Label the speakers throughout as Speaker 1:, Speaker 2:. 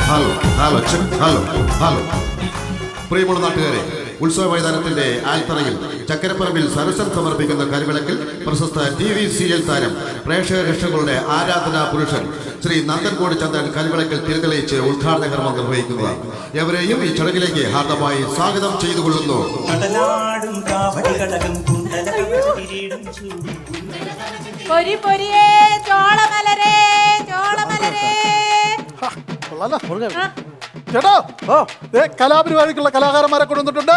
Speaker 1: Hello പ്രിയമുള്ള നാട്ടുകാരെ, ഉത്സവ മൈതാനത്തിന്റെ ആൽത്തറയിൽ ചക്കരപ്പറമ്പിൽ സരസം സമർപ്പിക്കുന്ന കരിവിളക്കിൽ പ്രശസ്ത TV സീരിയൽ താരം പ്രേക്ഷക രക്ഷകളുടെ ആരാധനാ പുരുഷൻ ശ്രീ നന്ദൻകോട് ചന്ദ്രൻ കരിവിളക്കിൽ തിരിതെളിയിച്ച് ഉദ്ഘാടന കർമ്മം നിർവഹിക്കുന്നതാണ്. എവരെയും ഈ ചടങ്ങിലേക്ക് ഹാർദമായി സ്വാഗതം ചെയ്തുകൊള്ളുന്നു.
Speaker 2: ചേട്ടാ, കലാപരിപാടിക്കുള്ള കലാകാരന്മാരെ കൊണ്ടുവന്നിട്ടുണ്ട്.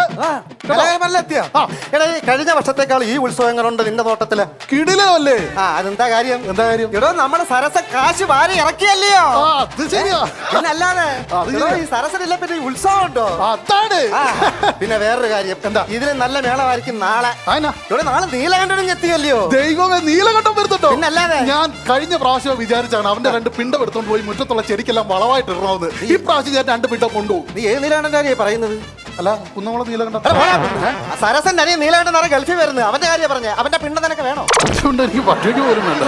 Speaker 3: കഴിഞ്ഞ വർഷത്തേക്കാൾ ഈ ഉത്സവങ്ങളുണ്ട് നിന്റെ തോട്ടത്തില്.
Speaker 2: കിടിലല്ലേ?
Speaker 3: അതെന്താ കാര്യം?
Speaker 2: എന്താ കാര്യം?
Speaker 3: എടോ, നമ്മുടെ സരസ കാശ് വാരി ഇറക്കിയല്ലയോ?
Speaker 2: അത് ശരിയാ.
Speaker 3: പിന്നല്ലാതെ ഈ സരസനില്ല പിന്നെ ഈ ഉത്സവം ഉണ്ടോ?
Speaker 2: അതാണ്.
Speaker 3: പിന്നെ വേറൊരു കാര്യം, എന്താ ഇതിന് നല്ല മേളമായിരിക്കും നാളെ. ഇവിടെ നാളെ നീലകണ്ഠനും എത്തിയല്ലയോ?
Speaker 2: ദൈവമേ, നീലകണ്ഠം വരുന്നുണ്ടോ?
Speaker 3: പിന്നല്ലാതെ.
Speaker 2: ഞാൻ കഴിഞ്ഞ പ്രാവശ്യം വിചാരിച്ചാണ് അവന്റെ 2 പിണ്ടം എടുത്തോണ്ട് പോയി മുറ്റത്തുള്ള ചെടിക്കെല്ലാം വളമായിട്ട് ഇടണമെന്ന്. ഈ പ്രാവശ്യം ഞാൻ 2 പിണ്ടം കൊണ്ടുപോകും.
Speaker 3: നീ ഏത് നീലകണ്ഠനാണ് പറയുന്നത്?
Speaker 2: അല്ല, കുന്നംകുളം നീലകണ്ഠം.
Speaker 3: സരസന്റെ അനിയൻ നീലകണ്ഠനാണ് ഗൾഫിൽ വരുന്നത്. അവന്റെ കാര്യം പറഞ്ഞേ. അവന്റെ പിണ്ടം നിനക്ക് വേണോ?
Speaker 2: അതുകൊണ്ട് എനിക്ക് പട്ടിക്ക് പോലും വേണ്ട.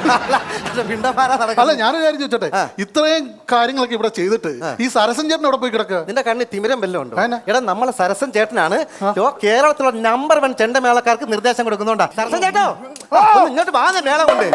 Speaker 2: അല്ല, ഞാൻ കാര്യം ചോദിച്ചോട്ടെ, ഇത്രയും കാര്യങ്ങളൊക്കെ ഇവിടെ ചെയ്തിട്ട് ഈ സരസൻ ചേട്ടൻ ഇവിടെ പോയി കിടക്കുക?
Speaker 3: നിന്റെ കണ്ണിൽ തിമിരം വല്ലതും ഉണ്ടോ? എടാ, നമ്മളെ സരസൻ ചേട്ടനാണ് കേരളത്തിലുള്ള നമ്പർ 1 ചെണ്ടമേളക്കാർക്ക് നിർദ്ദേശം കൊടുക്കുന്നുണ്ടാ. സരസൻ ചേട്ടോ, ഇങ്ങോട്ട് വാങ്ങ മേള കൊണ്ട്.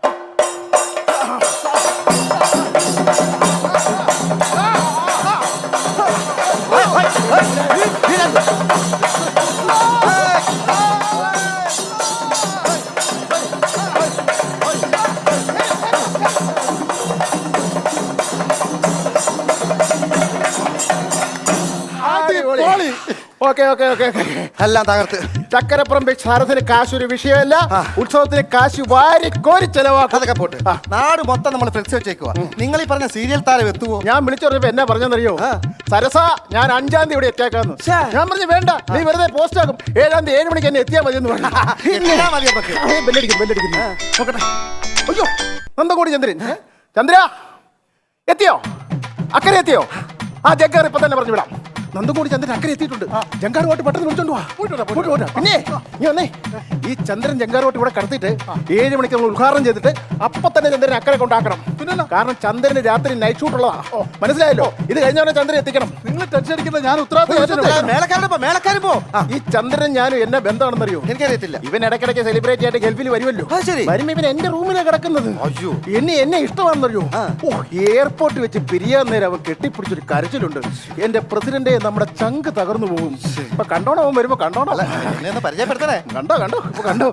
Speaker 3: എല്ലാം തകർത്ത്.
Speaker 4: ചക്കരപ്പറമ്പ് സാരഥിന് കാശൊരു വിഷയമല്ല. ഉത്സവത്തിന് കാശ് വാരി കോരി ചെലവാക്കും.
Speaker 3: അതൊക്കെ പോട്ട്. നാട് മൊത്തം നമ്മൾ ഫ്ലെക്സ് വെച്ചേക്കുവാ. നിങ്ങൾ ഈ പറഞ്ഞ സീരിയൽ താരം എത്തുവോ?
Speaker 4: ഞാൻ വിളിച്ചു പറഞ്ഞപ്പോ എന്നാ പറഞ്ഞെന്നറിയോ? സരസ, ഞാൻ 5-ാം തീയതി ഇവിടെ എത്തിയേക്കാന്ന്. ഞാൻ പറഞ്ഞു വേണ്ട, നീ വെറുതെ പോസ്റ്റ് ആക്കും. 7-ാം തീയതി 7 മണിക്ക് എന്നെ എത്തിയാൽ മതി എന്ന് പറഞ്ഞു. ബെല്ലടിക്കുന്നു. നോക്കട്ടെ. അയ്യോ, നന്ദൻകോട് ചന്ദ്രൻ. ചന്ദ്ര എത്തിയോ? അക്കരെ എത്തിയോ? ജഗ്ഗാർ ഇപ്പൊ തന്നെ പറഞ്ഞു വിടാം. നന്ദൻകോട് ചന്ദ്രൻ അക്കരെ എത്തിയിട്ടുണ്ട്. ജങ്കാറുമായിട്ട് പെട്ടെന്ന് വിളിച്ചോണ്ട് പോവാ. പിന്നെ നീ വന്നേ, ഈ ചന്ദ്രൻ ജങ്കാറുമായിട്ട് ഇവിടെ കടത്തിയിട്ട് 7 മണിക്ക് നമ്മൾ ഉദ്ഘാടനം ചെയ്തിട്ട് അപ്പൊ തന്നെ ചന്ദ്രൻ അക്കരെ കൊണ്ടാക്കണം. പിന്നെ കാരണം ചന്ദ്രന് രാത്രി നൈറ്റ് ഷൂട്ട് ഉള്ളതാ. മനസ്സിലായല്ലോ? ഇത് കഴിഞ്ഞവനെ ചന്ദ്രൻ എത്തിക്കണം. നിങ്ങൾ ടെൻഷൻ അടിക്കുന്ന ഞാൻ ഉത്തരവാദിത്തം. ഈ ചന്ദ്രൻ ഞാനും എന്നെ ബന്ധമാണെന്നറിയോ?
Speaker 3: എനിക്കറിയത്തില്ല.
Speaker 4: ഇവൻ ഇടയ്ക്കിടയ്ക്ക് സെലിബ്രേറ്റ് ആയിട്ട് ഗൾഫിൽ വരുമല്ലോ. വരുമ്പോ ഇവൻ എന്റെ റൂമിലാണ് കിടക്കുന്നത്. എന്നെ ഇഷ്ടമാണെന്നറിയോ? എയർപോർട്ടിൽ വെച്ച് പിരിയാൻ നേരം അവൻ കെട്ടിപ്പിടിച്ചൊരു കരച്ചിലുണ്ട്. എന്റെ പ്രസിഡന്റ് നമ്മുടെ ചങ്ക് തകർന്നു പോകും. ഇപ്പൊ കണ്ടോണോ? അവൻ വരുമ്പോ കണ്ടോണോ?
Speaker 3: പരിചയപ്പെടുത്തണേ.
Speaker 4: കണ്ടോ ഇപ്പൊ കണ്ടോ?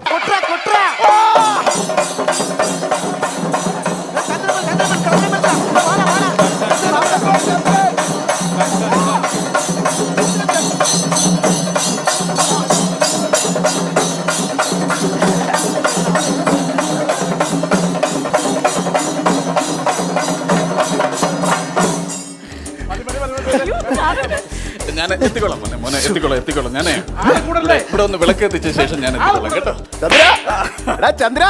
Speaker 5: ഞാൻ എത്തിക്കോളാം മോനെ, എത്തിക്കോളാം. ഞാനേ ഇവിടെ ഒന്ന് വിളക്ക് എത്തിച്ച ശേഷം ഞാൻ എത്തിക്കോളാം കേട്ടോ.
Speaker 4: ചന്ദ്ര,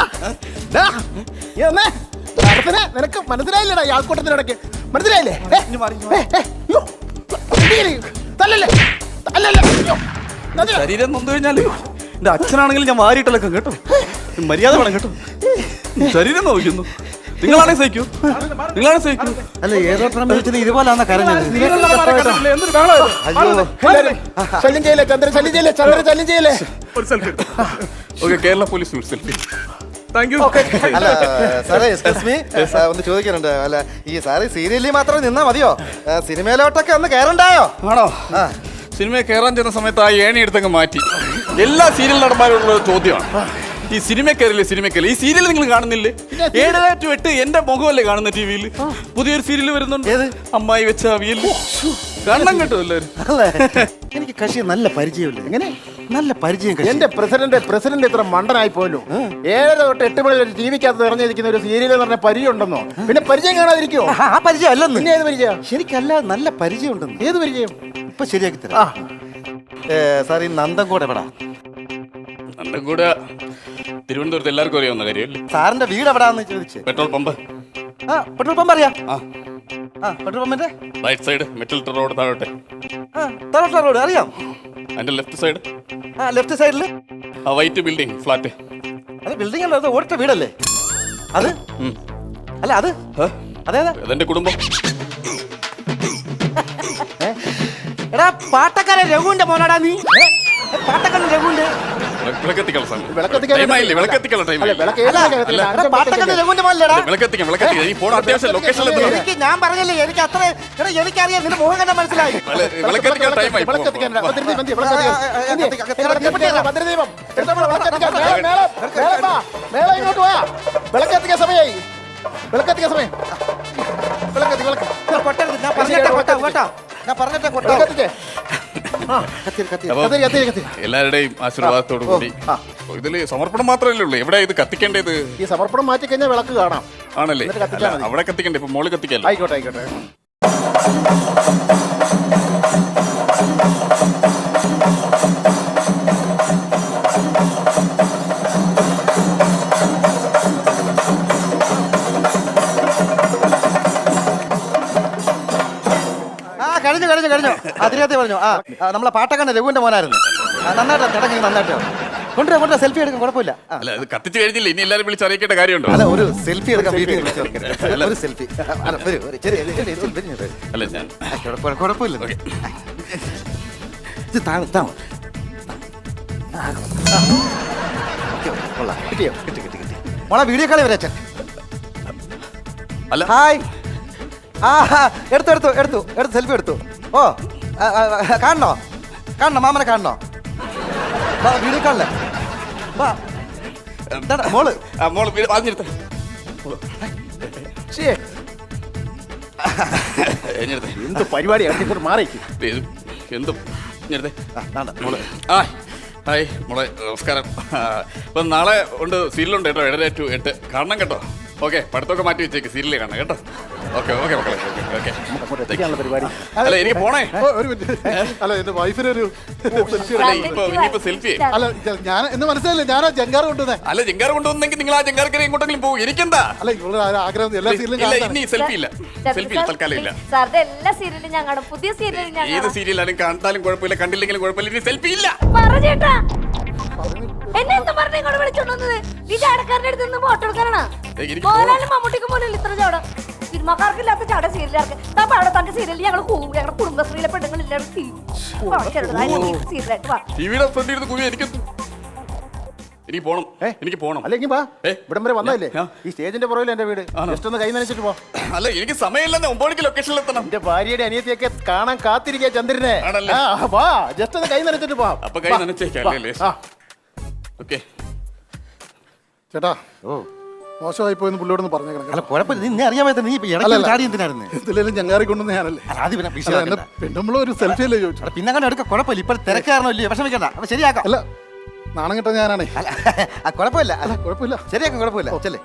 Speaker 4: നിനക്ക് മനസ്സിലായില്ലടാ? ഈ ആൾക്കൂട്ടത്തിനിടയ്ക്ക് മനസ്സിലായില്ലേ?
Speaker 5: ശരീരം നൊന്നു കഴിഞ്ഞാല് എന്റെ അച്ഛനാണെങ്കിലും ഞാൻ വാരിയിട്ടലൊക്കെ കേട്ടോ. മര്യാദ വേണം കേട്ടോ. ശരീരം നോക്കുന്നു. നിങ്ങളാണെ സഹിക്കൂ.
Speaker 3: അല്ല, ഏതോ വെച്ചത് ഇതുപോലാന്ന കരഞ്ഞത്.
Speaker 5: Kerala police selfie.
Speaker 3: അല്ല സാറേ, എക്സ്ക്യൂസ് മീ, ഒന്ന് ചോദിക്കാനുണ്ട്. അല്ല, ഈ സാറ് സീരിയലിൽ മാത്രം നിന്നാ മതിയോ? സിനിമയിലോട്ടൊക്കെ ഒന്ന് കയറണ്ടായോ?
Speaker 5: ആണോ? സിനിമയിൽ കയറാൻ ചെന്ന സമയത്ത് ആ ഏണി എടുത്തങ്ങ് മാറ്റി. എല്ലാ സീരിയൽ നടന്മാരുള്ള ചോദ്യമാണ്, ഈ സിനിമ കയറില്ലേ? ഈ സീരിയൽ നിങ്ങൾ കാണുന്നില്ലേ? 7 to 8 എന്റെ മുഖമല്ലേ കാണുന്ന ടിവിയിൽ? പുതിയൊരു സീരിയൽ വരുന്നുണ്ട്, അമ്മായി വെച്ച അവിയൽ. കണ്ണം കേട്ടോ എല്ലാവരും.
Speaker 3: എനിക്ക് കക്ഷി നല്ല പരിചയമില്ല. എങ്ങനെ നല്ല പരിചയം?
Speaker 4: എന്റെ പ്രസിഡന്റ് ഇത്ര മണ്ടനായി പോലോ. 7 തൊട്ട് 8 മണി വരെ ടിവിക്കകത്ത് നിറഞ്ഞിരിക്കുന്ന ഒരു സീരിയൽ എന്ന് പറഞ്ഞ പരിചയം ഉണ്ടെന്നോ? പിന്നെ പരിചയം കാണാതിരിക്കോ?
Speaker 3: ആ പരിചയം അല്ലെന്ന്.
Speaker 4: പിന്നെ ഏത് പരിചയം?
Speaker 3: ശരിക്കല്ല, നല്ല പരിചയം ഉണ്ടെന്ന്.
Speaker 4: ഏത് പരിചയം?
Speaker 3: ഇപ്പൊ ശരിയാക്കി തരാം. സാർ, ഈ നന്ദൻകോട് എവിടാ?
Speaker 5: നന്ദൻകോട് തിരുവനന്തപുരത്ത് എല്ലാവർക്കും അറിയാവുന്ന കാര്യമല്ലേ.
Speaker 3: സാറിന്റെ വീട് എവിടാന്ന് ചോദിച്ചു.
Speaker 5: Petrol pump.
Speaker 3: പെട്രോൾ പമ്പ് അറിയാം. പെട്രോൾ പമ്പിന്റെ
Speaker 5: റൈറ്റ് സൈഡ് മെറ്റൽ റോഡ് താഴോട്ടെ.
Speaker 3: റോഡ് അറിയാം.
Speaker 5: അതിന്റെ ലെഫ്റ്റ് സൈഡ്.
Speaker 3: ലെഫ്റ്റ് സൈഡില്
Speaker 5: ആ വൈറ്റ് ബിൽഡിംഗ് ഫ്ലാറ്റ്.
Speaker 3: അത് ബിൽഡിംഗ് അല്ല, അത് ഓടിച്ച വീടല്ലേ അത്? അല്ല, അത് അതേതാ?
Speaker 5: അതെന്റെ കുടുംബം.
Speaker 3: എടാ പാട്ടക്കാരൻ രഘുവിന്റെ മോനാടാ നീ. പാട്ടക്കാരൻ രഘുവിന്റെ
Speaker 5: വിളക്കെത്തിക്കണം സാർ.
Speaker 4: വിളക്കെത്തിക്കാൻ
Speaker 5: ടൈമായില്ലേ? വിളക്കെത്തിക്കണം,
Speaker 4: അല്ല,
Speaker 5: ടൈമായില്ലേ?
Speaker 4: വിളക്ക് ഏത് വിളക്കാ?
Speaker 3: എടാ, പാട്ടക്കാരൻ രഘുവിന്റെ മോനല്ലേടാ?
Speaker 5: വിളക്കെത്തിക്കാം, വിളക്കെത്തിക്കാം. ഈ ഫോൺ അത്യാവശ്യം ലൊക്കേഷനിൽ എത്തണം.
Speaker 3: എനിക്ക് ഞാൻ പറഞ്ഞില്ലേ എനിക്ക് അത്ര എടാ എനിക്കറിയാം നിന്റെ മുഖം കണ്ടാ മനസ്സിലായി.
Speaker 5: വിളക്കെത്തിക്കാൻ ടൈമായി.
Speaker 4: വിളക്കെത്തിക്കാൻ ഭദ്രദീപം എന്തിയെ? വിളക്കെത്തിക്കാൻ ഭദ്രദീപം എടുത്തോ, വിളക്കെത്തിക്കാൻ. മേള ഇങ്ങോട്ട് പോയാ വിളക്കെത്തിക്കാൻ സമയമായി. വിളക്കെത്തിക്കാൻ സമയം. വിളക്കെത്തി വിളക്ക്
Speaker 3: കൊട്ടരുത്, ഞാൻ പറഞ്ഞിട്ടേ കൊട്ടാ കേട്ടോ. ഞാൻ പറഞ്ഞിട്ടേ കൊട്ടാ.
Speaker 4: വിളക്കെത്തിച്ചേ.
Speaker 5: അപ്പൊ
Speaker 4: കത്തിരി കത്തിരി കത്തിരി.
Speaker 5: എല്ലാവരുടെയും ആശീർവാദത്തോടു കൂടി ഇതില് സമർപ്പണം മാത്രമല്ലേ ഉള്ളൂ. എവിടെ ഇത് കത്തിക്കേണ്ടത്?
Speaker 4: ഈ സമർപ്പണം മാറ്റി കഴിഞ്ഞാൽ വിളക്ക് കാണാം.
Speaker 5: ആണല്ലേ?
Speaker 4: എന്നിട്ട് കത്തിച്ചാൽ
Speaker 5: അല്ല,
Speaker 4: മതി.
Speaker 5: അവിടെ കത്തിക്കണ്ടേ? ഇപ്പൊ മോള് കത്തിക്കല്ലോ.
Speaker 4: ആയിക്കോട്ടെ ആയിക്കോട്ടെ.
Speaker 3: കഴിഞ്ഞു കഴിഞ്ഞു കഴിഞ്ഞു. അതിനകത്ത് പറഞ്ഞു. നമ്മളെ പാട്ടക്കാരൻ രഘുവിന്റെ മോനായിരുന്നു. നന്നായിട്ട് ചടങ്ങി നന്നായിട്ട് കൊണ്ടുവരാ സെൽഫി എടുക്കും, കുഴപ്പമില്ല.
Speaker 5: അല്ല, ഇത് കത്തിച്ച് കഴിഞ്ഞില്ല. ഇനി എല്ലാരും വിളിച്ച് അറിയിക്കേണ്ട കാര്യമുണ്ടോ?
Speaker 3: അല്ല, ഒരു സെൽഫി എടുക്കാൻ വീട്ടിൽ ഒരു സെൽഫി.
Speaker 5: അല്ല, ഞാൻ
Speaker 3: കുഴപ്പമില്ല. ഇത് താമ കിട്ടിയോ? കിട്ടി കിട്ടി കിട്ടി. മോളെ വീഡിയോ കളി വരച്ച.
Speaker 5: അല്ല,
Speaker 3: ഹായ്. എടുത്തു എടുത്തു എടുത്തു എടുത്തു സെൽഫി എടുത്തു. ഓ കാണണോ? കാണണോ? മാമനെ കാണണോ? വീഡിയോ കാണില്ല. മോള്
Speaker 5: മോള് പറഞ്ഞെടുത്ത
Speaker 4: എന്ത് പരിപാടിയാണ്? മാറിക്ക്.
Speaker 5: എന്തും മോള്. ഹായ് മോളെ, നമസ്കാരം. അപ്പം നാളെ ഉണ്ട്, സീരിയലുണ്ട് കേട്ടോ, 7:30 to 8 കാണണം കേട്ടോ. ഓക്കെ, പഠിത്തമൊക്കെ മാറ്റി വെച്ചേക്ക്, സീരിയൽ കാണണം കേട്ടോ. ഓക്കെ ഓക്കെ മക്കളെ, ഓക്കെ.
Speaker 4: പരിപാടി.
Speaker 5: അല്ല, എനിക്ക് പോണേ.
Speaker 2: ഒരു മിനിറ്റ്. അല്ല എന്റെ വൈഫിന് ഒരു
Speaker 5: അല്ല, ഇനിയിപ്പോ സെൽഫി.
Speaker 2: അല്ല ഞാൻ എന്ന് മനസ്സിലായില്ലേ, ഞാനാ ജങ്കാറ് കൊണ്ടുവന്നേ.
Speaker 5: അല്ല, ജങ്കാർ കൊണ്ടുവന്നെങ്കിൽ നിങ്ങൾ ആ ജങ്കാർക്കരെ എങ്ങോട്ടെങ്കിലും പോകും. എനിക്കെന്താ?
Speaker 2: അല്ല ഇവിടെ ആഗ്രഹം എല്ലാ സീരിയലും
Speaker 5: ഇല്ല,
Speaker 2: കാണാൻ.
Speaker 5: ഇനി സെൽഫി ഇല്ല. സെൽഫി തൽക്കാലം ഇല്ല.
Speaker 6: സാറിന്റെ എല്ലാ സീരിയലും ഞാൻ കാണും. പുതിയ സീരിയലും ഞാൻ
Speaker 5: ഏത് സീരിയലാലും കണ്ടാലും കുഴപ്പമില്ല, കണ്ടില്ലെങ്കിലും കുഴപ്പമില്ല, ഇനി സെൽഫി ഇല്ല.
Speaker 6: പറഞ്ഞേട്ടാ. എന്നെ എന്താ പറഞ്ഞ ഇങ്ങോട്ട് വിളിച്ചോണ്ടുവന്നത്? ഈ ചാടക്കാരന്റെ അടുത്ത് നിന്ന് ഫോട്ടോ എടുക്കാനാണ്.
Speaker 5: എനിക്ക്
Speaker 6: മോഹൻലാലും മമ്മൂട്ടിക്കും പോലും ഇത്ര ചാട. സിനിമാക്കാർക്കില്ലാത്ത ചാട സീരിയലാർക്ക്. അവിടെ തന്റെ സീരിയലിൽ ഞങ്ങൾ ഞങ്ങളുടെ കുടുംബശ്രീയിലെ പെണ്ണുങ്ങളില്ലാതെ സീരിയലായിട്ട് വാ.
Speaker 5: ടിവിയുടെ ഫ്രണ്ടിൽ ഇരുന്ന് കുവി എനിക്ക് പോണം. എനിക്ക് പോണം.
Speaker 4: അല്ലെങ്കിൽ വാ, ഇവിടം വരെ വന്നല്ലേ?
Speaker 5: ആ.
Speaker 4: ഈ സ്റ്റേജിന്റെ പുറകിൽ എന്റെ വീട്. ജസ്റ്റ് ഒന്ന് കൈ നനച്ചിട്ട് പോ.
Speaker 5: അല്ല, എനിക്ക് സമയമില്ലെന്ന്. 9 മണിക്ക് ലൊക്കേഷനിൽ എത്തണം.
Speaker 4: എന്റെ ഭാര്യയുടെ അനിയത്തിയൊക്കെ കാണാൻ കാത്തിരിക്കുക ചന്ദ്രനെ.
Speaker 5: ആണല്ലേ?
Speaker 4: വാ, ജസ്റ്റ് ഒന്ന് കൈ നനച്ചിട്ട് പോ.
Speaker 5: അപ്പൊ കൈ നനച്ചേക്കല്ലേ? ഓക്കെ
Speaker 2: ചേട്ടാ, മോശമായി പോയെന്ന് പുള്ളിയോടൊന്ന് പറഞ്ഞേക്കണം.
Speaker 3: അല്ല കുഴപ്പമില്ല. നിന്നെ അറിയാൻ പറ്റുന്ന നീ ഇടയ്ക്ക് ചാടി എന്തിനായിരുന്നു?
Speaker 2: എന്തിലേലും ജങ്കാറി കൊണ്ടുവന്ന് ഞാനല്ലേ.
Speaker 3: അത് പിന്നെ
Speaker 2: അല്ല, എന്നെ പെണ്ണുമ്പളും ഒരു സെൽഫി അല്ലേ ചോദിച്ചു.
Speaker 3: പിന്നെ അങ്ങനെ എടുക്കാം, കുഴപ്പമില്ല. ഇപ്പൊ തിരക്കാരണോ ഇല്ലയോ, വിഷമിക്കണ്ട. അപ്പൊ ശരിയാക്കാം.
Speaker 2: അല്ല, നാണം കിട്ടാൻ ഞാനാണേ.
Speaker 3: അല്ല കുഴപ്പമില്ല.
Speaker 2: അല്ല കുഴപ്പമില്ല.
Speaker 3: ശരിയാക്കാം, കുഴപ്പമില്ല. ചെല്ലേ.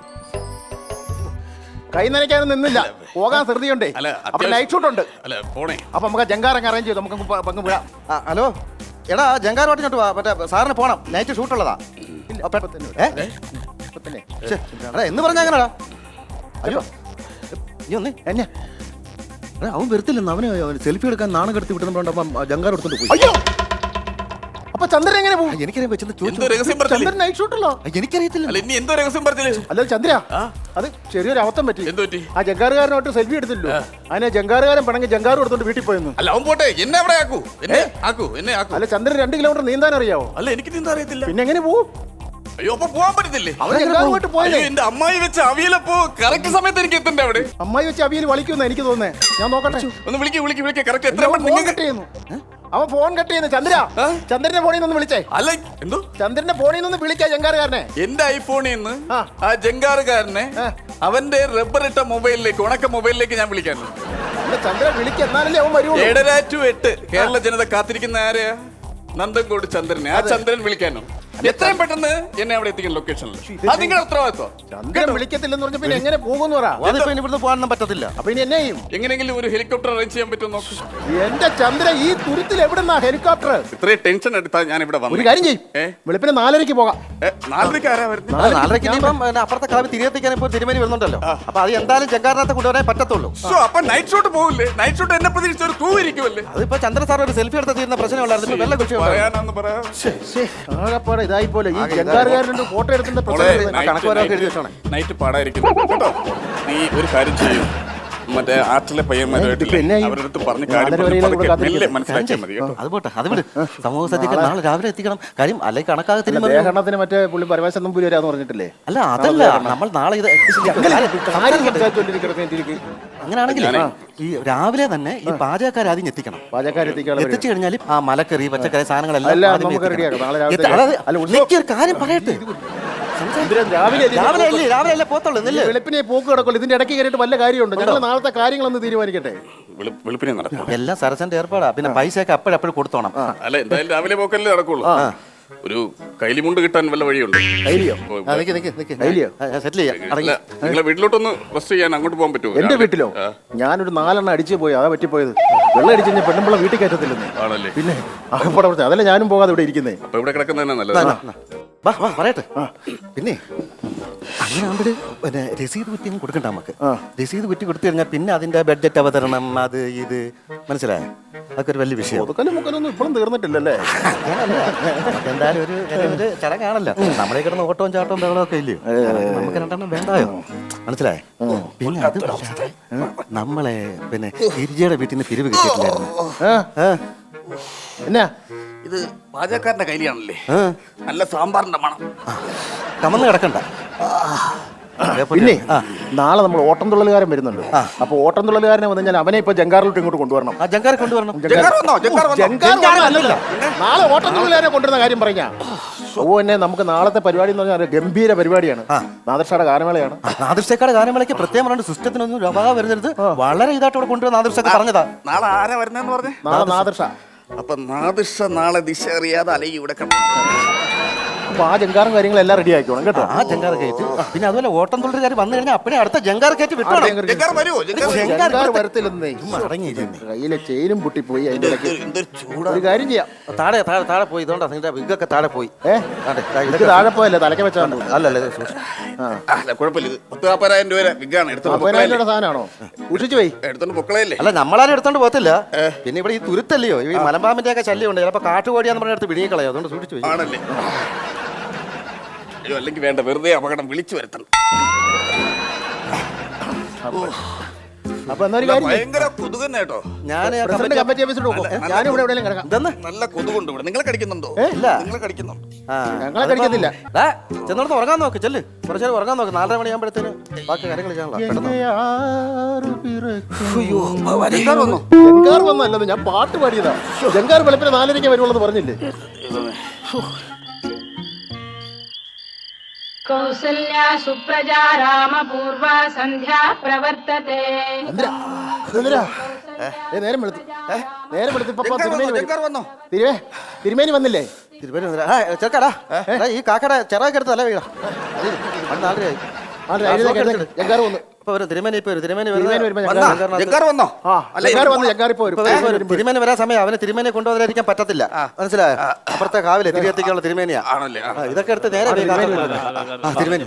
Speaker 4: കൈ നനയ്ക്കാനും നിന്നില്ല, പോകാൻ ധൃതിയുണ്ടേ.
Speaker 5: അല്ല,
Speaker 4: അപ്പൊ നൈറ്റ് ഷൂട്ട് ഉണ്ട്.
Speaker 5: അല്ല, പോണേ.
Speaker 4: അപ്പൊ നമുക്ക് ജങ്കാറങ്ങ് അറേഞ്ച് ചെയ്തു, നമുക്ക് പങ്ക് വീഴാം.
Speaker 3: ഹലോ എടാ, ജങ്കാരോട്ട് ഇങ്ങോട്ട് വാ. മറ്റേ സാറിന് പോണം, നൈറ്റ് ഷൂട്ടുള്ളതാ. എന്ന് പറഞ്ഞ അങ്ങനെടാ. അയ്യോ നീ ഒന്ന് എന്നെ അവൻ വരത്തില്ലെന്ന്. അവന് സെൽഫി എടുക്കാൻ നാണം കെടുത്തി വിട്ടുന്നുണ്ട്. അപ്പം ജങ്കാർ എടുത്തോണ്ട് പോയി.
Speaker 4: അയ്യോ, അപ്പൊ ചന്ദ്രൻ എങ്ങനെ പോകും?
Speaker 3: എനിക്കറിയാൻ വെച്ചെന്ന്
Speaker 5: എന്തോ
Speaker 3: ചോദിച്ചു.
Speaker 5: രഹസ്യം പറഞ്ഞില്ലേ?
Speaker 4: ചന്ദ്രൻ നൈറ്റ് ഷൂട്ടല്ലോ.
Speaker 3: എനിക്കറിയത്തില്ല.
Speaker 5: അല്ല, ഇനി എന്തോ രഹസ്യം പറഞ്ഞില്ലേ?
Speaker 4: അല്ല ചന്ദ്ര, അത് ചെറിയൊരു അവസ്ഥ പറ്റി.
Speaker 5: എന്ത് പറ്റി?
Speaker 4: ആ ജങ്കാറുകാരനോട്ട് സെൽഫി എടുത്തില്ലോ. അതിനെ ജങ്കാറുകാരൻ പണെങ്കിൽ ജങ്കാറും എടുത്തോണ്ട് വീട്ടിൽ പോയെന്നു.
Speaker 5: അല്ല, അവൻ പോട്ടെ, എന്നെ അവിടെ ആക്കൂ. എന്നെ ആക്കൂ.
Speaker 4: അല്ല ചന്ദ്രൻ 2 കിലോമീറ്റർ നീന്താൻ അറിയാവോ?
Speaker 5: അല്ല, എനിക്ക് നീന്താൻ അറിയത്തില്ല.
Speaker 4: പിന്നെ എങ്ങനെ പോകും?
Speaker 5: അയ്യോ, അപ്പൊ പോവാൻ പറ്റത്തില്ലേ?
Speaker 4: അവൻ ജങ്കാറുമായിട്ട് പോയല്ലേ?
Speaker 5: അയ്യോ, എന്റെ അമ്മായി വെച്ച അവിയലപ്പോ കറക്റ്റ് സമയത്ത് എനിക്ക് എത്തണ്ടേ അവിടെ?
Speaker 4: അമ്മായി വെച്ച് അവിയൽ വളിക്കുമെന്ന് എനിക്ക് തോന്നുന്നേ. ഞാൻ നോക്കട്ടെ.
Speaker 5: ഒന്ന് വിളിക്ക് കറക്റ്റ് എത്ര
Speaker 4: അവൻ ഫോൺ കട്ട് ചെയ്യുന്നു. അവൻ ഫോൺ കട്ട് ചെയ്യുന്നു. ചന്ദ്ര, ചന്ദ്രന്റെ ഫോണിൽ നിന്ന് വിളിച്ചേ.
Speaker 5: അല്ല, എന്തോ
Speaker 4: ചന്ദ്രന്റെ ഫോണിൽ നിന്ന് വിളിക്കാ ജങ്കാറുകാരനെ.
Speaker 5: എന്റെ ഐഫോണിൽ നിന്ന്
Speaker 4: ആ.
Speaker 5: ആ ജങ്കാറുകാരനെ അവന്റെ റബ്ബർ ഇട്ട മൊബൈലിലേക്ക്, ഉണക്ക മൊബൈലിലേക്ക് ഞാൻ വിളിക്കാറുണ്ട്.
Speaker 4: അല്ല ചന്ദ്ര വിളിക്ക, എന്നാലല്ലേ അവൻ വരുള്ളൂ.
Speaker 5: 7:30 to 8 കേരള ജനത കാത്തിരിക്കുന്ന ആരെയാ? നന്ദൻകോട് ചന്ദ്രനെ. ആ ചന്ദ്രൻ വിളിക്കാനോ? എത്രയും പെട്ടെന്ന് എന്നെ അവിടെ എത്തിക്കണം ലൊക്കേഷനിൽ. അത് നിങ്ങളുടെ ഉത്തരവാദിത്വം.
Speaker 4: ചന്ദ്രൻ വിളിക്കത്തില്ലെന്ന് പറഞ്ഞ പിന്നെ എങ്ങനെ പോകുന്നു പറ.
Speaker 3: അതിപ്പോ ഇനി ഇവിടുന്ന് പോകാനൊന്നും പറ്റത്തില്ല.
Speaker 4: അപ്പൊ ഇനി എന്നെ ചെയ്യും?
Speaker 5: എങ്ങനെയെങ്കിലും ഒരു ഹെലികോപ്റ്റർ അറേഞ്ച് ചെയ്യാൻ പറ്റുമോ നോക്ക്.
Speaker 4: എന്റെ ചന്ദ്ര, ഈ തുരുത്തിൽ എവിടുന്നാ ഹെലികോപ്റ്റർ?
Speaker 5: ഇത്രയും ടെൻഷൻ എടുത്താ ഞാൻ ഇവിടെ
Speaker 4: ഒരു
Speaker 5: വന്നു.
Speaker 4: കാര്യം ചെയ്യും, വെളുപ്പിന് 4:30 പോകാം.
Speaker 5: 4:30 ആരാ വരുന്നത്?
Speaker 3: 4:30 ഇപ്പം അപ്പുറത്തെ കളവ് തിരികെത്തിക്കാൻ ഇപ്പോൾ തിരുമേനി വരുന്നുണ്ടല്ലോ. അപ്പൊ അത് എന്തായാലും ജങ്കാറിനകത്ത് കൊണ്ടുവരാൻ പറ്റത്തുള്ളൂ.
Speaker 5: അപ്പൊ നൈറ്റ് ഷോട്ട് പോകില്ലേ? നൈറ്റ് ഷോട്ട് എന്നെ പ്രതീക്ഷിച്ച ഒരു ക്രൂ ഇരിക്കുമല്ലേ?
Speaker 3: അതിപ്പോ ചന്ദ്ര സാർ ഒരു സെൽഫി എടുത്ത തീരുന്ന പ്രശ്നമുള്ളായിരുന്നു. ഇപ്പൊ വെള്ള കുറിച്ച്
Speaker 5: പറയാനാന്ന് പറയാ.
Speaker 4: ആകെപ്പാടെ ഇതായി പോലെ. ഈ ജങ്കാറുകാരൻ്റെ ഫോട്ടോ എടുക്കുന്ന പ്രശ്നം.
Speaker 3: കണക്ക് വരവൊക്കെ എഴുതി വെച്ചോണേ.
Speaker 5: നൈറ്റ് പാടായിരിക്കുന്നു കേട്ടോ. നീ ഒരു കാര്യം ചെയ്യും, മറ്റേ ആർട്ടിലെ പയ്യന്മാരുമായിട്ടില്ലേ
Speaker 4: പിന്നെ
Speaker 5: അവരുടെ അടുത്ത് പറഞ്ഞ്
Speaker 4: നാലര
Speaker 5: കാര്യം
Speaker 4: വരെയും
Speaker 5: പതുക്കെ
Speaker 4: കൂടെ കാത്തിരിക്കാം.
Speaker 5: മെല്ലെ മനസ്സിലാക്കിയാൽ മതി കേട്ടോ.
Speaker 3: അത് പോട്ടെ, അത് വിട്. സമൂഹ സദ്യക്ക് നാളെ രാവിലെ എത്തിക്കണം. കാര്യം അല്ലെങ്കിൽ കണക്കാകത്തിന്
Speaker 4: ദേഹരണത്തിന് മറ്റേ പുള്ളി പരമേശ്വരൻ നമ്പൂരി വരാന്ന് പറഞ്ഞിട്ടില്ലേ?
Speaker 3: അല്ല അതല്ല, നമ്മൾ നാളെ ഇത്
Speaker 4: കാര്യം സംസാരിച്ചുകൊണ്ടിരിക്കട്ടെ.
Speaker 3: അങ്ങനെയാണെങ്കിൽ ഈ രാവിലെ തന്നെ ഈ പാചകക്കാർ ആദ്യം എത്തിക്കണം.
Speaker 4: പാചകക്കാരെത്തിക്കാനുള്ള
Speaker 3: എത്തിച്ചു കഴിഞ്ഞാൽ ആ മലക്കറി പച്ചക്കറി സാധനങ്ങളെല്ലാം
Speaker 4: എല്ലാം
Speaker 3: ആദ്യമേ
Speaker 4: നമുക്ക്
Speaker 3: എത്തിക്കണം.
Speaker 4: റെഡിയാക്കാം. നാളെ രാവിലെ
Speaker 3: അതായത്
Speaker 4: അല്ല,
Speaker 3: നിക്ക് ഒരു കാര്യം പറയട്ടെ. രാവിലെ അല്ലേ പോത്തുള്ളൂ നെല്ല്.
Speaker 4: വെളുപ്പിനെ പോക്ക് കിടക്കുള്ളൂ. ഇതിന്റെ ഇടയ്ക്ക് കയറിയിട്ട് വല്ല കാര്യമുണ്ട്? ഞങ്ങൾ നാളത്തെ കാര്യങ്ങളൊന്ന് തീരുമാനിക്കട്ടെ.
Speaker 5: വെളുപ്പിനെ നടക്കും.
Speaker 3: എല്ലാം സരസന്റെ ഏർപ്പാടാ. പിന്നെ പൈസയൊക്കെ അപ്പോഴപ്പോഴും കൊടുത്തോണം.
Speaker 5: അല്ല എന്തായാലും രാവിലെ പോക്കല്ലേ നടക്കുള്ളൂ. ഒരു കൈലിമുണ്ട് കിട്ടാൻ വല്ല വഴിയുണ്ട്?
Speaker 4: ധൈര്യോ?
Speaker 3: സെറ്റിൽ ചെയ്യാം.
Speaker 5: അല്ല, നിങ്ങളെ വീട്ടിലോട്ടൊന്ന് റെസ്റ്റ് ചെയ്യാൻ അങ്ങോട്ട് പോകാൻ പറ്റുമോ?
Speaker 4: എന്റെ വീട്ടിലോ? ഞാനൊരു 4 എണ്ണം അടിച്ചു പോയി. അതാ പറ്റിപ്പോയത്. വെള്ളം അടിച്ചു കഴിഞ്ഞാൽ പെണ്ണുമ്പിള്ള വീട്ടിൽ കയറ്റത്തില്ലെന്ന്.
Speaker 5: ആണല്ലേ?
Speaker 4: പിന്നെ അകപ്പെടെ പ്രശ്നം. അതല്ല ഞാനും പോകാതെ ഇവിടെ ഇരിക്കുന്നേ.
Speaker 5: അപ്പൊ ഇവിടെ കിടക്കുന്നതന്നെ നല്ലത്.
Speaker 3: പറയട്ടെ. പിന്നെ അങ്ങനെ ആകുമ്പോൾ പിന്നെ രസീത് കുറ്റി കൊടുക്കണ്ട നമുക്ക്. രസീത് കുറ്റി കൊടുത്തു കഴിഞ്ഞാൽ പിന്നെ അതിന്റെ ബഡ്ജറ്റ് അവതരണം അത് ഇത് മനസ്സിലായോ? അതൊക്കെ ഒരു വലിയ വിഷയം.
Speaker 4: ഒതുക്കലും മുക്കലൊന്നും ഇപ്പോഴും തീർന്നിട്ടില്ലല്ലേ?
Speaker 3: എന്തായാലും ഒരു ചടങ്ങാണല്ലോ. നമ്മളെ കിടന്ന് ഓട്ടവും ചാട്ടവും ബഹളവും ഒക്കെ ഇല്ലയോ? നമുക്ക് രണ്ടെണ്ണം വേണ്ടായോ? മനസ്സിലായോ? പിന്നെ അത് നമ്മളെ പിന്നെ ഗിരിജയുടെ വീട്ടിൽ നിന്ന് പിരിവ് കിട്ടിയിട്ടില്ലായിരുന്നു.
Speaker 4: എന്നാ
Speaker 5: ഇത് പാചകക്കാരന്റെ കയ്യിലാണല്ലേ? നല്ല സാമ്പാറിന്റെ മണം.
Speaker 3: കമന്ന് കിടക്കണ്ട.
Speaker 4: പിന്നെ നാളെ നമ്മൾ ഓട്ടം തുള്ളലുകാരൻ വരുന്നുണ്ട്. അപ്പൊ ഓട്ടം തുള്ളലുകാരനെ വന്നു കഴിഞ്ഞാൽ അവനെ ഇപ്പൊ ജങ്കാറിലോട്ട് ഇങ്ങോട്ട് കൊണ്ടുവരണം.
Speaker 3: ആ ജങ്കാറെ കൊണ്ടുവരണം.
Speaker 4: നാളെ ഓട്ടം തുള്ളലുകാരെ കൊണ്ടുവരുന്ന കാര്യം പറഞ്ഞാ എന്നെ നമുക്ക് നാളത്തെ പരിപാടി എന്ന് പറഞ്ഞാൽ ഗംഭീര പരിപാടിയാണ്. നാദർഷയുടെ ഗാനമേളയാണ്.
Speaker 3: നാദർഷക്കാട് ഗാനമേളയ്ക്ക് പ്രത്യേകം പറഞ്ഞ സിസ്റ്റത്തിനൊന്നും രവ വരുന്നത് വളരെ ഇതായിട്ട് ഇവിടെ കൊണ്ടുവരുന്ന നാദർഷൊക്കെ പറഞ്ഞതാ.
Speaker 5: നാളെ ആരാ വരുന്നതെന്ന് പറഞ്ഞേ?
Speaker 4: നാളെ നാദർഷ.
Speaker 5: അപ്പൊ നാദിർഷ നാളെ ദിശ അറിയാതെ അലയി ഇവിടെ കിടന്നു.
Speaker 4: അപ്പൊ ആ ജങ്കാറും കാര്യങ്ങളെല്ലാം റെഡി ആക്കിക്കോണം കേട്ടോ.
Speaker 3: ആ ജങ്കാർ കയറ്റ്. പിന്നെ അതുപോലെ ഓട്ടം തുള്ളലുകാർ വന്നു കഴിഞ്ഞാൽ അപ്പഴേ അടുത്ത ജങ്കാർ കയറ്റ് വിട്ടോണം.
Speaker 4: ജങ്കാർ വരത്തില്ലെന്നേ. കയ്യിലെ ചെയിനും പൊട്ടിപ്പോയി. അതിന്റെ ഒരു കാര്യം ചെയ്യാം.
Speaker 3: താഴെ പോയി. ഇതുകൊണ്ടാ നിങ്ങളുടെ വിഗൊക്കെ താഴെ പോയി.
Speaker 4: ഇതൊക്കെ താഴെ പോയല്ലേ? തലയ്ക്ക് വെച്ചാൽ
Speaker 3: അല്ലല്ലേ?
Speaker 5: കുഴപ്പമില്ല. 10,000 രൂപ വിഗാണ്.
Speaker 4: 40,000 രൂപയുടെ സാധനമാണോ? സൂക്ഷിച്ചു പോയി
Speaker 5: എടുത്തോണ്ട് പൊക്കളയല്ലേ?
Speaker 3: അല്ല നമ്മളാരും എടുത്തോണ്ട് പോകത്തില്ല. പിന്നെ ഇവിടെ ഈ തുരുത്തല്ലയോ, ഈ മലമ്പാമ്പിന്റെ ഒക്കെ ശല്യം ഉണ്ട്. ചിലപ്പോ കാട്ടുകോടിയാന്ന് പറഞ്ഞ അടുത്ത് വിഴുങ്ങിക്കളയോ. അതുകൊണ്ട് സൂക്ഷിച്ചു പോയി.
Speaker 5: ആണല്ലേ? അയ്യോ, അല്ലെങ്കിൽ വേണ്ട, വെറുതെ അപകടം വിളിച്ചു വരുത്തണം.
Speaker 4: അപ്പൊ എന്നൊരു കാര്യം
Speaker 5: ഭയങ്കര കൊതുക് തന്നെ കേട്ടോ.
Speaker 4: കമ്മിറ്റി ഓഫീസിൽ പോകും. ഞാനും ഇവിടെ എവിടെയെങ്കിലും കിടക്കാം.
Speaker 5: നല്ല കൊതുകുണ്ട് ഇവിടെ. നിങ്ങളെ കടിക്കുന്നുണ്ടോ?
Speaker 3: ഇല്ല.
Speaker 5: നിങ്ങളെ കടിക്കുന്നു?
Speaker 4: ഞങ്ങളെ കടിക്കത്തില്ല.
Speaker 3: ചെന്നോടത്ത് ഉറങ്ങാൻ നോക്ക്. ചെല്ല് കുറച്ചു നേരം ഉറങ്ങാൻ നോക്ക്. 4:30 മണിയാകുമ്പോഴത്തേന് ബാക്കി കാര്യങ്ങൾ ചെയ്യാനുള്ള.
Speaker 4: ജങ്കാർ വന്നല്ലത്, ഞാൻ പാട്ട് പാടിയതാ. ജങ്കാർ വെളുപ്പിന് 4:30 വരുവുള്ളത് പറഞ്ഞില്ലേ?
Speaker 7: കൗസല്യാ സുപ്രജാ രാമപൂർവ സന്ധ്യാ പ്രവർത്തത്തെ.
Speaker 4: നേരം വെളുത്തു. നേരം വെളുത്ത് ഇപ്പൊ തിരുമേനി വന്നില്ലേ?
Speaker 3: ചെറുക്കാടാ ഈ കാക്കയുടെ ചിറകൊക്കെ എടുത്ത് തല വീഴാം.
Speaker 4: ജങ്കാർ വന്നു.
Speaker 3: തിരുമേനി
Speaker 4: തിരുമേനി
Speaker 3: വരാൻ സമയം. അവന് തിരുമേനെ കൊണ്ടുവരാതിരിക്കാൻ പറ്റത്തില്ല. മനസ്സിലായോ? അപ്പുറത്തെ കാവിലെ തിരികെത്തിക്കാനുള്ള തിരുമേനിയാ. ഇതൊക്കെ എടുത്ത് നേരെ തിരുമേനി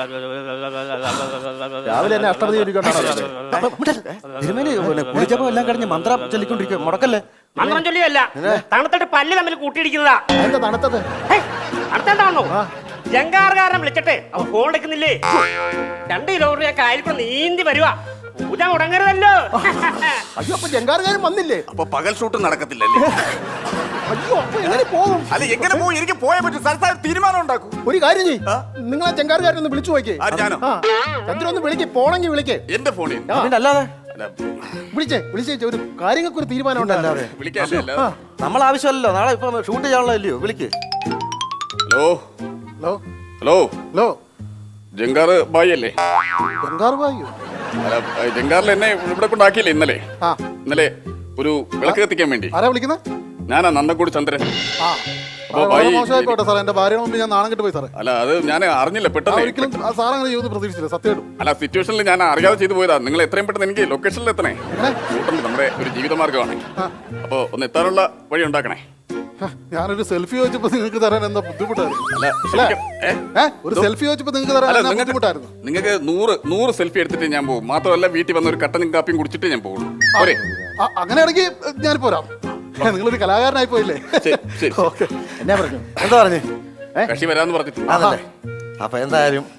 Speaker 4: രാവിലെ തന്നെ അഷ്ടപതി
Speaker 3: തിരുമേനി കുളിച്ചപ്പോ എല്ലാം കഴിഞ്ഞ് മന്ത്രം ചൊല്ലിക്കൊണ്ടിരിക്കും. മുടക്കല്ലേ?
Speaker 8: മന്ത്രം ചൊല്ലിയല്ല, തണുത്തിട്ട് പല്ല് തമ്മിൽ കൂട്ടിയിടിക്കുന്നതാ.
Speaker 4: എന്താ തണുത്തത്?
Speaker 8: അടുത്തെന്താണോ ജങ്കാറുകാരനെ വിളിച്ചിട്ട് അവൻ ഫോൺ എടുക്കുന്നില്ലേ? 2 കിലോമീറ്റർ കായൽ കൂടെ നീന്തി വരുവാ. പൂജ മുടങ്ങരുതല്ലോ.
Speaker 4: അയ്യോ, അപ്പൊ ജങ്കാറുകാരൻ വന്നില്ലേ?
Speaker 5: അപ്പൊ പകൽ ഷൂട്ട് നടക്കത്തില്ലല്ലേ?
Speaker 4: അയ്യോ, അപ്പൊ എങ്ങനെ പോകും?
Speaker 5: അല്ല, എങ്ങനെ പോകും? എനിക്ക് പോയാൽ പറ്റും. സ്ഥലത്ത് തീരുമാനം ഉണ്ടാക്കും.
Speaker 4: ഒരു കാര്യം ചെയ്യ്, നിങ്ങൾ ആ ജങ്കാറുകാരൻ ഒന്ന് വിളിച്ചു നോക്കിയേ.
Speaker 5: ഞാനോ?
Speaker 4: ചന്ദ്രൻ വിളിക്ക്. പോണെങ്കിൽ വിളിക്കേ.
Speaker 5: എന്റെ ഫോണിൽ
Speaker 3: അല്ലാതെ
Speaker 4: വിളിച്ചേ ഒരു കാര്യങ്ങൾക്ക് ഒരു തീരുമാനം ഉണ്ടല്ലാതെ
Speaker 5: വിളിക്കാല്ലേ?
Speaker 3: നമ്മൾ ആവശ്യമല്ലോ. നാളെ ഇപ്പൊ ഷൂട്ട് ചെയ്യാനുള്ള ഇല്ലയോ? വിളിക്ക്.
Speaker 5: ഹലോ
Speaker 4: ഹലോ
Speaker 5: ഹലോ
Speaker 4: ഹലോ,
Speaker 5: ജങ്കാർ ബായി അല്ലേ?
Speaker 4: ജങ്കാർ ബായിയോ?
Speaker 5: ജങ്കാറിൽ എന്നെ ഇവിടെ കൊണ്ടാക്കിയില്ലേ ഇന്നലെ? ഇന്നലെ ഒരു വിളക്ക് കത്തിക്കാൻ വേണ്ടി.
Speaker 4: ആരാ വിളിക്കുന്നത്?
Speaker 5: ഞാനാ നന്ദൻകൂടി ചന്ദ്രൻ.
Speaker 2: മോശമായിക്കോട്ടെ സാറേ, എന്റെ ഭാര്യ മുമ്പ് ഞാൻ നാണം കെട്ടുപോയി സാറേ.
Speaker 5: അല്ല, അത് ഞാൻ അറിഞ്ഞില്ല. പെട്ടെന്ന്
Speaker 2: ഒരിക്കലും സാർ അങ്ങനെ ചെയ്യുമെന്ന് പ്രതീക്ഷിച്ചില്ല, സത്യമായിട്ടും.
Speaker 5: അല്ല, സിറ്റുവേഷനിൽ ഞാൻ അറിയാതെ ചെയ്തു പോയതാ. നിങ്ങൾ എത്രയും പെട്ടെന്ന് എനിക്ക് ലൊക്കേഷനിൽ എത്തണേ. ഷൂട്ടുണ്ട്, നമ്മുടെ ഒരു ജീവിതമാർഗമാണ്. അപ്പൊ ഒന്ന് എത്താനുള്ള വഴി ഉണ്ടാക്കണേ.
Speaker 2: ഞാനൊരു സെൽഫി ചോദിച്ചപ്പോ നിങ്ങൾക്ക് തരാൻ എന്താ ബുദ്ധിമുട്ടായിരുന്നു? ഒരു സെൽഫി ചോദിച്ചപ്പോ നിങ്ങൾക്ക് തരാൻ ബുദ്ധിമുട്ടായിരുന്നു.
Speaker 5: നിങ്ങൾക്ക് 100 സെൽഫി എടുത്തിട്ട് ഞാൻ പോകും. മാത്രമല്ല, വീട്ടിൽ വന്ന ഒരു കട്ടനും കാപ്പിയും കുടിച്ചിട്ട് ഞാൻ പോകുള്ളൂ. പോരെ?
Speaker 2: അങ്ങനെയാണെങ്കിൽ ഞാൻ പോരാം. നിങ്ങളൊരു കലാകാരനായി പോയില്ലേ?
Speaker 4: എന്നാ പറഞ്ഞു?
Speaker 3: എന്താ പറഞ്ഞു?
Speaker 5: കക്ഷി വരാന്ന് പറഞ്ഞിട്ടുണ്ട്.
Speaker 3: അതല്ലേ? അപ്പൊ എന്തായാലും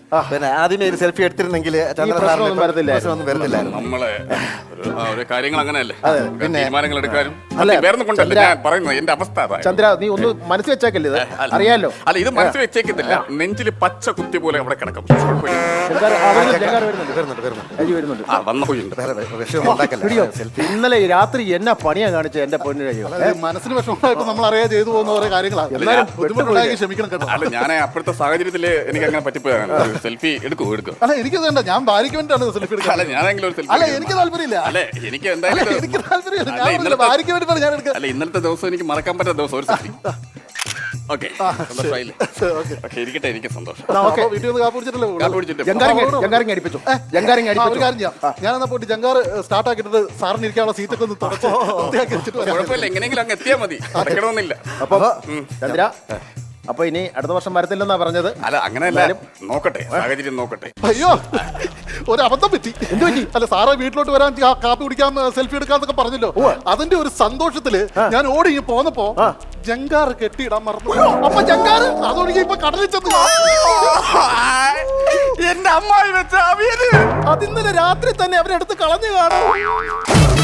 Speaker 3: പിന്നെ ആദ്യമേ ഒരു സെൽഫി എടുത്തിരുന്നെങ്കിൽ
Speaker 4: പ്രശ്നമൊന്നും വരത്തില്ലായിരുന്നു.
Speaker 3: പ്രശ്നമൊന്നും വരത്തില്ലായിരുന്നു.
Speaker 5: നമ്മളെ ഒരു കാര്യങ്ങൾ അങ്ങനെയല്ലേ
Speaker 3: പിന്നെ-
Speaker 5: തീരുമാനങ്ങൾ എടുക്കാനും
Speaker 4: അല്ല,
Speaker 5: വേറെ കൊണ്ടല്ല
Speaker 4: ചന്ദ്ര-
Speaker 5: ഞാൻ പറയുന്നത് എന്റെ അവസ്ഥ അതാ.
Speaker 4: ചന്ദ്ര നീ ഒന്ന് മനസ്സിൽ വെച്ചേക്കല്ലേ ഇത്
Speaker 5: അല്ല.
Speaker 4: അറിയാലോ.
Speaker 5: അല്ല ഇത് മനസ്സിൽ വെച്ചേക്കുന്നില്ല, നെഞ്ചില് പച്ച കുത്തി പോലെ അവിടെ കിടക്കും. കുഴപ്പമില്ല.
Speaker 4: ജങ്കാർ വരുന്നുണ്ട്. അജി വരുന്നുണ്ട്.
Speaker 5: ആ വന്നു പോയിട്ടുണ്ട്.
Speaker 3: വേറെ വിഷയമൊന്നും ഉണ്ടാക്കല്ല.
Speaker 4: പിടിയോ? ഇന്നലെ രാത്രി എന്നാ പണിയാ കാണിച്ച എന്റെ പൊന്നു കഴിയോ.
Speaker 2: മനസ്സിന് വിഷമമായിട്ട് നമ്മൾ അറിയാതെ ചെയ്തു പോകുന്ന ഓരോ കാര്യങ്ങളാണ്.
Speaker 4: എന്നാലും
Speaker 2: ബുദ്ധിമുട്ടുണ്ടാക്കി ക്ഷമിക്കണം കേട്ടോ.
Speaker 5: അല്ല ഞാൻ അപ്പോഴത്തെ സാഹചര്യത്തില് എനിക്ക് അങ്ങനെ പറ്റിപ്പോയാണ്. സെൽഫി എടുക്കും.
Speaker 2: അല്ല എനിക്ക് വേണ്ട, ഞാൻ ഭാര്യയ്ക്ക് വേണ്ടിയാണ് സെൽഫി
Speaker 5: അല്ല
Speaker 2: എടുക്കുന്നത്.
Speaker 5: ഞാനെങ്കിലും ഒരു സെൽഫി
Speaker 2: അല്ല എനിക്ക് താല്പര്യമില്ല.
Speaker 5: അല്ലേ എനിക്ക്
Speaker 2: അല്ല,
Speaker 5: എന്തായാലും
Speaker 2: എനിക്ക് താല്പര്യമില്ല.
Speaker 5: അല്ല,
Speaker 2: ഞാൻ പറഞ്ഞില്ല,
Speaker 5: ഇന്നലത്തെ-
Speaker 2: ഭാര്യയ്ക്ക് വേണ്ടിയിട്ടാണ് ഞാൻ എടുക്കുക.
Speaker 5: അല്ല ഇന്നലത്തെ ദിവസം എനിക്ക് മറക്കാൻ പറ്റാത്ത ദിവസം ഒരു സെൽഫി. ഓക്കെ സന്തോഷമായില്ലേ? ഓക്കെ ഇരിക്കട്ടെ, എനിക്ക് സന്തോഷം.
Speaker 2: ഓക്കെ വീട്ടിൽ നിന്ന് കാപ്പ് കുടിച്ചിട്ടല്ലേ
Speaker 5: കാപ്പി കുടിച്ചിട്ട്
Speaker 4: ജങ്കാറിങ് അടിപ്പിച്ചു. ജങ്കാറിങ്
Speaker 2: ഒരു
Speaker 4: അടിപ്പിച്ചു.
Speaker 2: കാര്യം ചെയ്യാം, ഞാനെന്നാ പോയിട്ട് ജങ്കാർ സ്റ്റാർട്ട് ആക്കിയിട്ട് സാറിന് ഇരിക്കാനുള്ള സീറ്റൊക്കെ ഒന്ന് തുടച്ച് വൃത്തിയാക്കി വെച്ചിട്ട് വരാം.
Speaker 5: കുഴപ്പമില്ല, എങ്ങനെയെങ്കിലും അങ്ങ് എത്തിയാൽ മതി, അടയ്ക്കണമെന്നില്ല.
Speaker 4: അപ്പൊ ചന്ദ്ര അപ്പൊ ഇനി അടുത്ത വർഷം വരത്തില്ലെന്നാ പറഞ്ഞത്.
Speaker 5: അല്ല അങ്ങനെയല്ല, നോക്കട്ടെ സാഹചര്യം നോക്കട്ടെ.
Speaker 2: അയ്യോ ഒരു അബദ്ധം പറ്റി. എന്ത് പറ്റി? അല്ല സാറ് വീട്ടിലോട്ട് വരാൻ കാപ്പി കുടിക്കാൻ സെൽഫി എടുക്കാന്നൊക്കെ പറഞ്ഞല്ലോ. അതിന്റെ ഒരു സന്തോഷത്തില് ഞാൻ ഓടി ഇങ്ങ് പോന്നപ്പോ ജങ്കാർ കെട്ടിയിടാൻ മറന്നു. അപ്പൊ ജങ്കാർ അതൊഴികെ ഇപ്പൊ കടലിൽ ചെന്ന്
Speaker 5: എന്റെ അമ്മായി വെച്ച അവിയല്
Speaker 2: അതിന്നലെ രാത്രി തന്നെ അവരെടുത്ത് കളഞ്ഞു കാണും.